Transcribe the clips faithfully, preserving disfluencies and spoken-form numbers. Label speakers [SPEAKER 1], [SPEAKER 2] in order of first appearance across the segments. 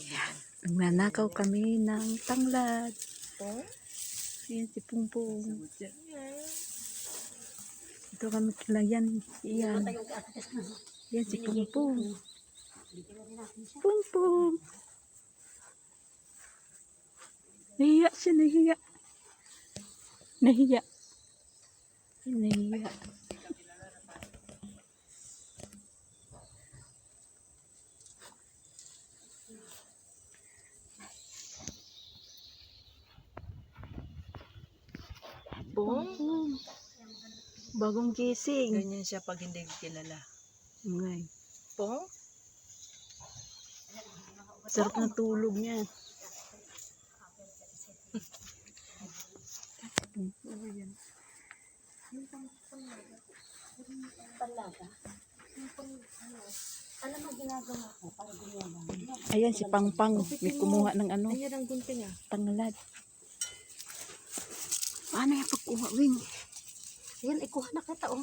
[SPEAKER 1] Nanakaw kami ng tanglad.
[SPEAKER 2] Oh?
[SPEAKER 1] Ayan si Pungpung. Ito kami kila yan. Yan. Yan si Pungpung. Pungpung. Nahiya siya, nahiya. Nahiya. Nahiya.
[SPEAKER 2] Pong?
[SPEAKER 1] Bagong gising.
[SPEAKER 2] Ganyan siya pag hindi kilala.
[SPEAKER 1] Ngay.
[SPEAKER 2] Pong?
[SPEAKER 1] Sarap na tulog niya.
[SPEAKER 3] Talaga. Alam mo ginagawa ko para gumawa.
[SPEAKER 1] Ayan si Pangpang. May kumuha ng ano.
[SPEAKER 2] Ayan ang gunting ah.
[SPEAKER 1] Tanglad. Paano yung pagkuha, Wing?
[SPEAKER 3] Ayan, ikuha na kita oh.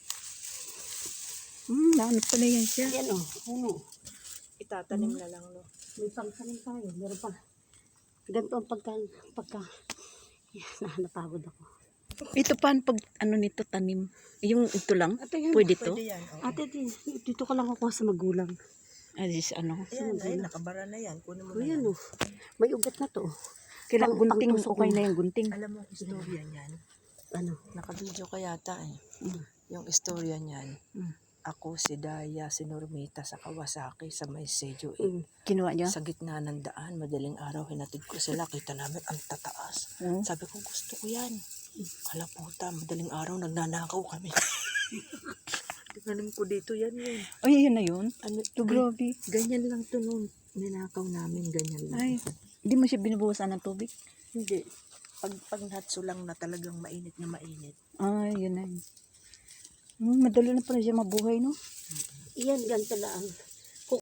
[SPEAKER 1] Hmm, naanap pala yan siya.
[SPEAKER 3] Ayan oh, ano.
[SPEAKER 2] Itatanim na lang no.
[SPEAKER 3] May pangsanin tayo. Meron pa. Ganito ang pagka, pagka, yan, napagod ako.
[SPEAKER 1] Ito paano pag ano nito tanim? Yung ito lang?
[SPEAKER 3] Ate, yan.
[SPEAKER 1] Pwede to?
[SPEAKER 2] Pwede yan. Oh.
[SPEAKER 3] Ate, di, dito ka lang kukuha sa magulang.
[SPEAKER 1] Ah, this ano?
[SPEAKER 2] Ayan, ay, nakabara na yan. Kunin mo
[SPEAKER 3] O
[SPEAKER 2] na
[SPEAKER 3] yan
[SPEAKER 2] yan.
[SPEAKER 3] oh. May ugat na to.
[SPEAKER 1] Kailang
[SPEAKER 3] Pang-
[SPEAKER 1] gunting,
[SPEAKER 3] pangtusok
[SPEAKER 1] okay
[SPEAKER 3] mo.
[SPEAKER 1] na yung gunting.
[SPEAKER 2] Alam mo, istorya niyan.
[SPEAKER 3] Ano?
[SPEAKER 2] Nakabidyo ka yata eh.
[SPEAKER 3] Mm.
[SPEAKER 2] Yung istorya niyan.
[SPEAKER 1] Mm.
[SPEAKER 2] Ako, si Daya, si Normita sa Kawasaki, sa may Sejo eh.
[SPEAKER 3] Mm.
[SPEAKER 1] Kinuha niya?
[SPEAKER 2] Sa gitna ng daan, madaling araw, hinatid ko sila. Kita namin ang tataas.
[SPEAKER 1] Hmm.
[SPEAKER 2] Sabi ko, gusto ko yan. Ala puta, madaling araw, nagnanakaw kami. Tingnan ko dito, yan yun.
[SPEAKER 1] Ay, yun na yun.
[SPEAKER 2] Ano,
[SPEAKER 1] To grabe.
[SPEAKER 2] ganyan lang to noon. Ninakaw namin, ganyan lang.
[SPEAKER 1] Ay, hindi mo siya binubuhusan ng tubig?
[SPEAKER 2] Hindi. Pag, pag natso lang na talagang mainit na mainit.
[SPEAKER 1] Ay, yun na yun. Hmm, madali na pala siya mabuhay, no?
[SPEAKER 3] Iyan, ganito lang.